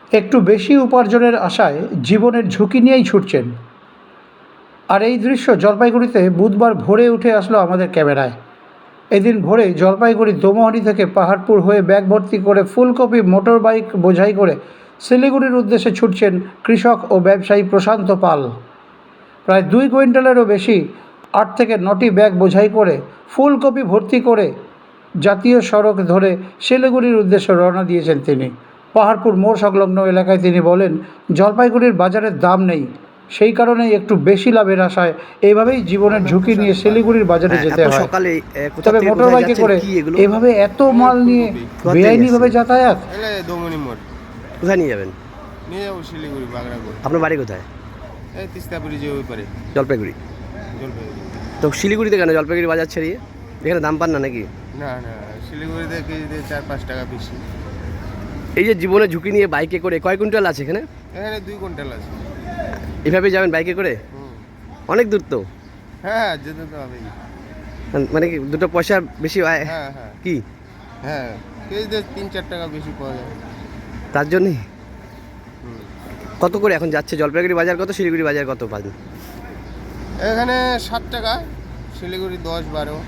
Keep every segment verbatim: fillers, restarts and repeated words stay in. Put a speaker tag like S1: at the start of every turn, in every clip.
S1: একটু বেশি উপার্জনের আশায় জীবনের ঝুঁকি নিয়েই ছুটছেন। আর এই দৃশ্য জলপাইগুড়িতে বুধবার ভোরে উঠে আসলো আমাদের ক্যামেরায়। এদিন ভোরে জলপাইগুড়ির দোমোহনী থেকে পাহাড়পুর হয়ে ব্যাগ ভর্তি করে ফুলকপি মোটর বাইক বোঝাই করে শিলিগুড়ির উদ্দেশ্যে ছুটছেন কৃষক ও ব্যবসায়ী প্রশান্ত পাল। প্রায় দুই কুইন্টালেরও বেশি আট থেকে নটি ব্যাগ বোঝাই করে ফুলকপি ভর্তি করে জাতীয় সড়ক ধরে শিলিগুড়ির উদ্দেশ্যে রওনা দিয়েছেন তিনি। পাহাড়পুর মোড় সংলগ্ন এলাকায় তিনি বলেন, জলপাইগুড়ির বাজারের দাম নেই, সেই কারণেই একটু বেশি লাভের আশায় এইভাবেই জীবনের ঝুঁকি নিয়ে শিলিগুড়ির বাজারে যেতে হয়।
S2: সকালে
S1: তবে মোটর বাইকে করে এভাবে এত মাল নিয়ে বেআইনিভাবে যাতায়াত।
S3: দোমনি মোড়
S2: কোথায় নিয়ে যাবেন?
S3: নিয়ে যাবো শিলিগুড়ি বাগড়াপুর।
S2: আপনার বাড়ি কোথায়?
S3: এই তিস্তাপুরি যে ওই পারে
S2: জলপাইগুড়ি।
S3: জলপাইগুড়ি।
S2: তো শিলিগুড়িতে কেন জলপাইগুড়ি বাজার ছাড়িয়ে? এখানে দাম পান না নাকি?
S3: না না শিলিগুড়িতে কেজিতে চার পাঁচ টাকা বেশি।
S2: এই যে জীবনে ঝুঁকি নিয়ে বাইকে করে কয় কুইন্টাল আছে এখানে?
S3: এখানে দুই কুইন্টাল আছে।
S2: এভাবে যাবেন বাইকে করে?
S3: হুম।
S2: অনেক দূর তো।
S3: হ্যাঁ হ্যাঁ যেতে তো হবেই।
S2: মানে কি দুটো পয়সা বেশি হয়?
S3: হ্যাঁ হ্যাঁ
S2: কি
S3: হ্যাঁ কেজিতে তিন চার টাকা বেশি পাওয়া যায়।
S2: তার জন্যে
S3: হুম।
S2: কত করে এখন যাচ্ছে জলপাইগুড়ি বাজার কত, শিলিগুড়ি বাজার কত পাবেন?
S3: এখানে সাত টাকা, শিলিগুড়ি দশ বারো।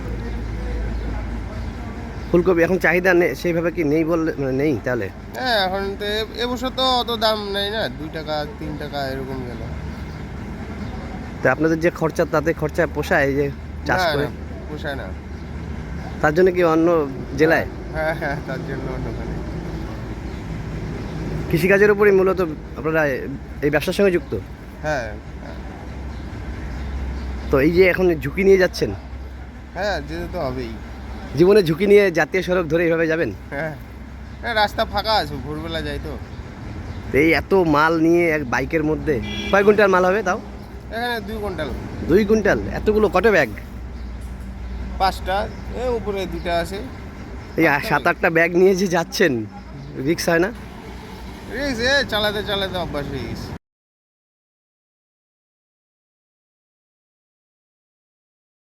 S2: ফুলকপি এখন চাহিদা নেই সেইভাবে কি নেই বললে মানে নেই তাহলে?
S3: হ্যাঁ এখন তো এ- এবছর তো অত দাম নেই না, দুই টাকা তিন টাকা এরকম গেল।
S2: তো আপনাদের যে খরচা তাতে খরচা পোষায় এই যে চাষ
S3: না,
S2: করে?
S3: না, পোষায় না।
S2: তার জন্য কি অন্য জেলায়
S3: হ্যাঁ হ্যাঁ তার জন্য অন্যখানে।
S2: কৃষিকাজের উপরই মূলত আপনারা এই ব্যবসার সঙ্গে যুক্ত?
S3: হ্যাঁ হ্যাঁ,
S2: তো এই যে এখন ঝুঁকি নিয়ে যাচ্ছেন,
S3: হ্যাঁ যেতে তো হবেই।
S2: জীবনে ঝুঁকি নিয়ে জাতীয় সড়ক ধরে এইভাবে যাবেন?
S3: হ্যাঁ হ্যাঁ রাস্তা ফাঁকা আছে, ভোরবেলা যাই তো।
S2: তো এই এত মাল নিয়ে এক বাইকের মধ্যে কয় কুইন্টাল মাল হবে তাও?
S3: এখানে দুই কুইন্টাল।
S2: দুই কুইন্টাল? এতগুলো কত ব্যাগ?
S3: পাঁচটা, এ উপরে দুটা আছে।
S2: এই সাত আটটা ব্যাগ নিয়ে যে যাচ্ছেন রিক্স হয় না?
S3: রিক্স, এ চালাতে চালাতে অভ্যাস হয়ে গেছে।